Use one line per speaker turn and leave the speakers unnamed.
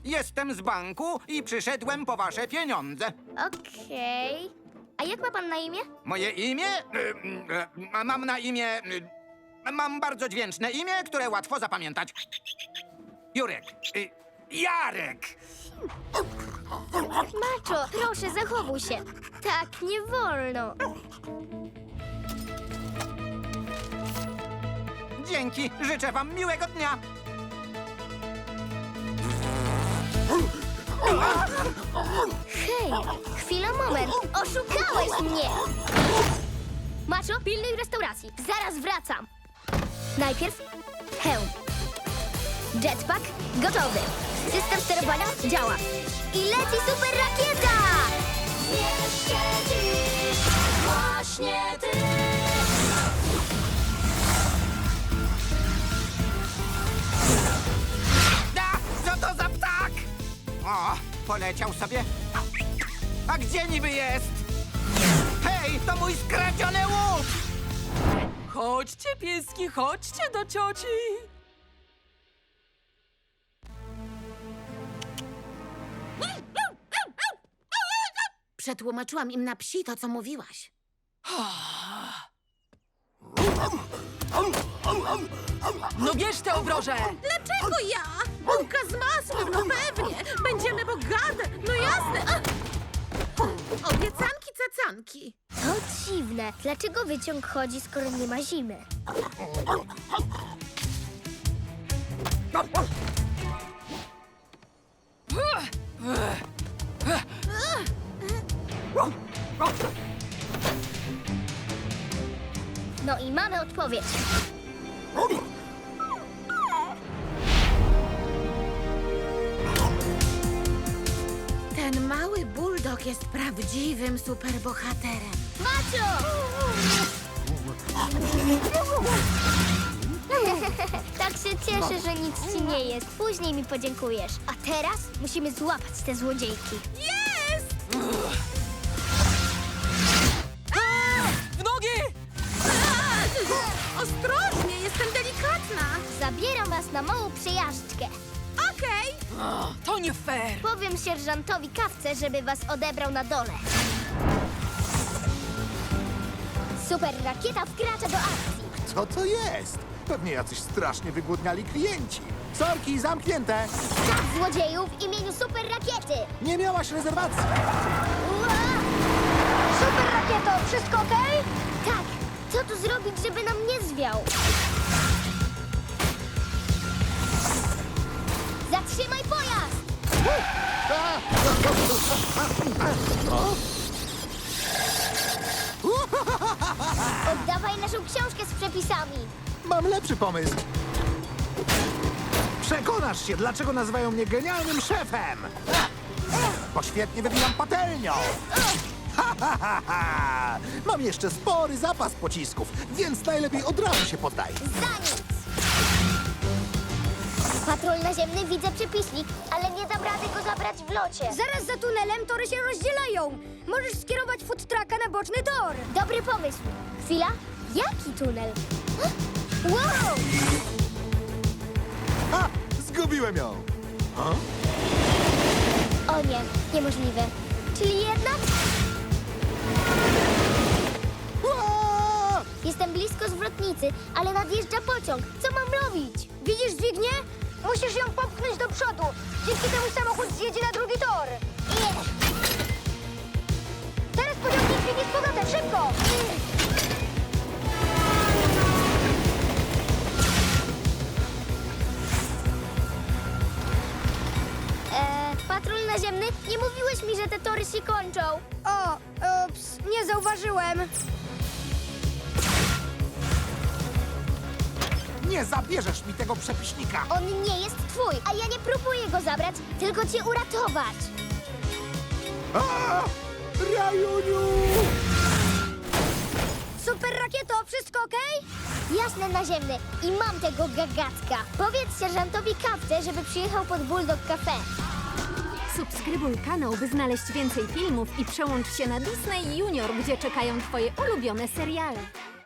Jestem z banku i przyszedłem po wasze pieniądze.
Okej. A jak ma pan na imię?
Moje imię? Mam na imię... Mam bardzo dźwięczne imię, które łatwo zapamiętać. Jurek. Jarek!
Maczo, proszę, zachowuj się. Tak, nie wolno.
Dzięki, życzę wam miłego dnia.
Hej, chwila, moment. Oszukałeś mnie! Maczo, pilnuj restauracji. Zaraz wracam. Najpierw hełm. Jetpack gotowy. System sterowania działa. I leci super rakieta!
Jeszcze dziś, właśnie ty.
Co to za ptak? O, poleciał sobie. A gdzie niby jest? Hej, to mój skradziony łuk!
Chodźcie, pieski, chodźcie do cioci.
Przetłumaczyłam im na psi to, co mówiłaś.
No bierz te obroże.
Dlaczego ja? Bułka z masłem, no pewnie. Będziemy bogate, no jasne. Obiecanki, cacanki.
To dziwne. Dlaczego wyciąg chodzi, skoro nie ma zimy? No i mamy odpowiedź.
Ten mały buldog jest prawdziwym superbohaterem.
Macio! Tak się cieszę, że nic ci nie jest. Później mi podziękujesz. A teraz musimy złapać te złodziejki.
Jest!
W nogi!
Ostrożnie, jestem delikatna.
Zabieram was na małą przejażdżkę.
Okej.
To nie fair.
Powiem sierżantowi Kawce, żeby was odebrał na dole. Super rakieta wkracza do akcji.
Co to jest? Pewnie jacyś strasznie wygłodniali klienci. Sorki, zamknięte!
Czas złodzieju w imieniu super rakiety.
Nie miałaś rezerwacji.
Super rakieto, wszystko okej? Tak. Co tu zrobić, żeby nam nie zwiał? Zatrzymaj pojazd! Oddawaj naszą książkę z przepisami.
Mam lepszy pomysł. Przekonasz się, dlaczego nazywają mnie genialnym szefem. Bo świetnie wywijam patelnią. Ha, ha, ha, ha. Mam jeszcze spory zapas pocisków, więc najlepiej od razu się poddaj.
Za nic! Patrol naziemny, widzę przepiśnik, ale nie dam rady go zabrać w locie.
Zaraz za tunelem tory się rozdzielają. Możesz skierować food trucka na boczny tor.
Dobry pomysł. Chwila, jaki tunel? Wow!
Ha! Zgubiłem ją.
O nie, niemożliwe. Czyli jednak
Ua!
jestem blisko zwrotnicy, ale nadjeżdża pociąg. Co mam robić?
Widzisz dźwignię? Musisz ją popchnąć do przodu. Dzięki temu samochód zjedzie na drugi tor. Teraz pociągnij dźwignię z powrotem, szybko!
Patrol naziemny, nie mówiłeś mi, że te tory się kończą.
O, ups, nie zauważyłem.
Nie zabierzesz mi tego przepiśnika.
On nie jest twój, a ja nie próbuję go zabrać, tylko cię uratować.
A! Rajuniu!
Super rakieto, wszystko okej?
Jasne, naziemny. I mam tego gagatka. Powiedz sierżantowi Kawce, żeby przyjechał pod Bulldog Cafe.
Subskrybuj kanał, by znaleźć więcej filmów i przełącz się na Disney Junior, gdzie czekają twoje ulubione seriale.